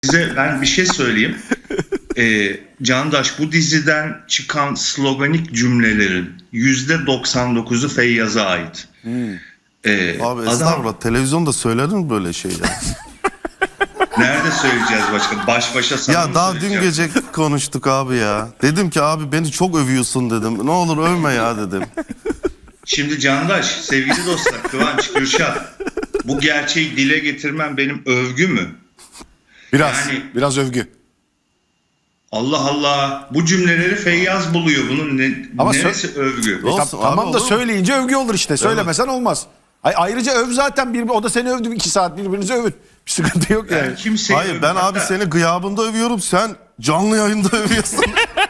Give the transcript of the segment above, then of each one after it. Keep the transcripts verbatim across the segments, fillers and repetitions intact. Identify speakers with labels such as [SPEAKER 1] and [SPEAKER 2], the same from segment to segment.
[SPEAKER 1] Size ben bir şey söyleyeyim. Ee, Candaş, bu diziden çıkan sloganik cümlelerin yüzde doksan dokuzu Feyyaz'a ait.
[SPEAKER 2] Hmm.
[SPEAKER 1] Ee,
[SPEAKER 2] Abi
[SPEAKER 1] adam,
[SPEAKER 2] estağfurullah, televizyonda söylenir mi böyle şeyler?
[SPEAKER 1] nerede söyleyeceğiz başka? Baş başa sana
[SPEAKER 2] Ya
[SPEAKER 1] mı
[SPEAKER 2] daha dün
[SPEAKER 1] söyleyeceğim?
[SPEAKER 2] gece konuştuk abi ya. Dedim ki abi beni çok övüyorsun dedim. Ne olur övme ya dedim.
[SPEAKER 1] Şimdi Candaş, sevgili dostlar, Kıvanç, Gürşat, bu gerçeği dile getirmem benim övgü mü?
[SPEAKER 3] Biraz,
[SPEAKER 1] Yani-
[SPEAKER 3] biraz övgü.
[SPEAKER 1] Allah Allah, bu cümleleri Feyyaz buluyor. Bunun ne,
[SPEAKER 3] Ama
[SPEAKER 1] neresi övgü?
[SPEAKER 2] Olsun
[SPEAKER 3] Ta-
[SPEAKER 2] abi,
[SPEAKER 3] tamam da
[SPEAKER 2] olur mu?
[SPEAKER 3] söyleyince övgü olur işte. Söylemesen olmaz. Ay, ayrıca öv zaten. Bir, o da seni övdü. iki saat birbirinizi övün. Bir sıkıntı yok yani.
[SPEAKER 1] Ben kimseyi
[SPEAKER 2] Hayır ben
[SPEAKER 1] övmem.
[SPEAKER 2] abi seni gıyabında övüyorum. Sen canlı yayında övüyorsun.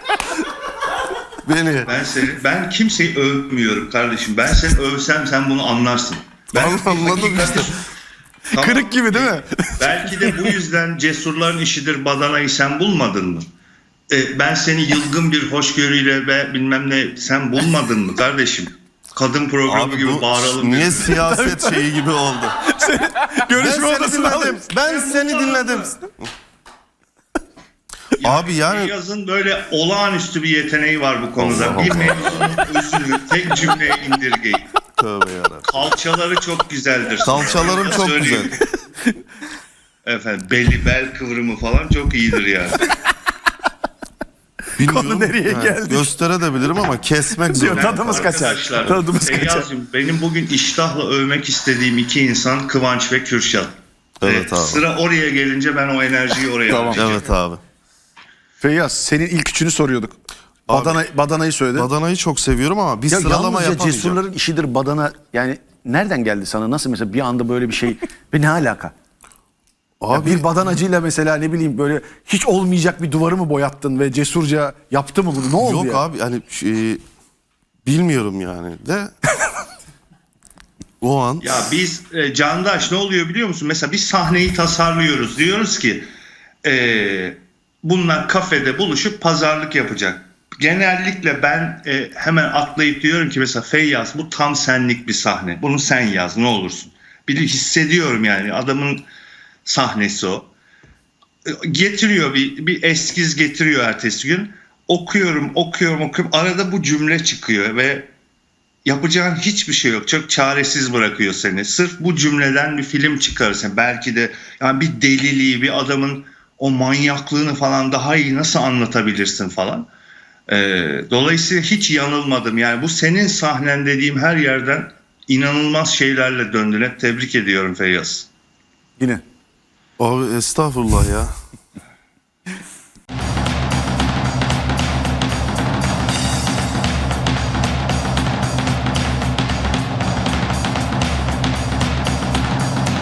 [SPEAKER 2] Beni.
[SPEAKER 1] Ben seni, ben kimseyi övmüyorum kardeşim. Ben seni övsem sen bunu anlarsın. Ben
[SPEAKER 2] Anladım işte.
[SPEAKER 1] Tamam.
[SPEAKER 3] Kırık gibi değil mi?
[SPEAKER 1] Belki de bu yüzden cesurların işidir badanayı sen bulmadın mı? Ee, ben seni yılgın bir hoşgörüyle ve bilmem ne sen bulmadın mı kardeşim? Kadın programı
[SPEAKER 2] Abi
[SPEAKER 1] gibi
[SPEAKER 2] bu
[SPEAKER 1] bağıralım.
[SPEAKER 2] niye
[SPEAKER 1] birbirine.
[SPEAKER 2] siyaset şeyi gibi oldu? Ben
[SPEAKER 3] Görüşme
[SPEAKER 2] seni
[SPEAKER 3] odasına
[SPEAKER 2] dinledim.
[SPEAKER 3] alayım.
[SPEAKER 2] Ben seni dinledim. Abi yani
[SPEAKER 1] Yazın böyle olağanüstü bir yeteneği var bu konuda.
[SPEAKER 2] Allah
[SPEAKER 1] Bir
[SPEAKER 2] Allah.
[SPEAKER 1] mevzunun özünü tek cümleye indirgeyin.
[SPEAKER 2] tövbe yarabbim.
[SPEAKER 1] Kalçaları çok güzeldir.
[SPEAKER 2] Kalçalarım
[SPEAKER 1] Sana
[SPEAKER 2] çok
[SPEAKER 1] söyleyeyim. Efendim belli bel kıvrımı falan çok iyidir yani.
[SPEAKER 2] Bilmiyorum.
[SPEAKER 3] Konu nereye
[SPEAKER 2] Yani
[SPEAKER 3] geldi?
[SPEAKER 2] Gösterebilirim ama kesmek
[SPEAKER 3] Diyor,
[SPEAKER 2] zorunda.
[SPEAKER 3] tadımız kaçar.
[SPEAKER 1] Arkadaşlar,
[SPEAKER 3] Tadımız kaçar.
[SPEAKER 1] Feyyaz'cığım, benim bugün iştahla övmek istediğim iki insan Kıvanç ve Kürşat.
[SPEAKER 2] Evet
[SPEAKER 1] Ee,
[SPEAKER 2] abi.
[SPEAKER 1] Sıra oraya gelince ben o enerjiyi oraya
[SPEAKER 3] Tamam.
[SPEAKER 1] harcayacağım.
[SPEAKER 2] Evet abi.
[SPEAKER 3] Feyyaz, senin ilk üçünü soruyorduk.
[SPEAKER 2] Abi-
[SPEAKER 3] Badana, badanayı söyledin.
[SPEAKER 2] Badanayı çok seviyorum ama bir
[SPEAKER 3] Ya
[SPEAKER 2] sıralama
[SPEAKER 3] yalnızca
[SPEAKER 2] yapamayacağım.
[SPEAKER 3] cesurların işidir badana. Yani nereden geldi sana? Nasıl mesela bir anda böyle bir şey? Ve ne alaka? Ya
[SPEAKER 2] Abi
[SPEAKER 3] bir badanacıyla mesela ne bileyim böyle hiç olmayacak bir duvarı mı boyattın ve cesurca yaptı mı bunu? Ne oldu
[SPEAKER 2] yok
[SPEAKER 3] ya?
[SPEAKER 2] abi hani şey, bilmiyorum yani de o an
[SPEAKER 1] Ya biz e, Candaş ne oluyor biliyor musun? Mesela bir sahneyi tasarlıyoruz. Diyoruz ki e, bunlar kafede buluşup pazarlık yapacak. Genellikle ben e, hemen atlayıp diyorum ki mesela Feyyaz bu tam senlik bir sahne. Bunu sen yaz ne olursun. Bir hissediyorum yani adamın sahnesi o. E, Getiriyor bir, bir eskiz getiriyor ertesi gün. Okuyorum okuyorum okuyorum. Arada bu cümle çıkıyor ve yapacağın hiçbir şey yok. Çok çaresiz bırakıyor seni. Sırf bu cümleden bir film çıkarırsın. Belki de yani bir deliliği, bir adamın o manyaklığını falan daha iyi nasıl anlatabilirsin falan. Ee, dolayısıyla hiç yanılmadım. Yani bu senin sahnen dediğim her yerden inanılmaz şeylerle döndün. Hep tebrik ediyorum Feyyaz.
[SPEAKER 3] Yine.
[SPEAKER 2] abi estağfurullah ya.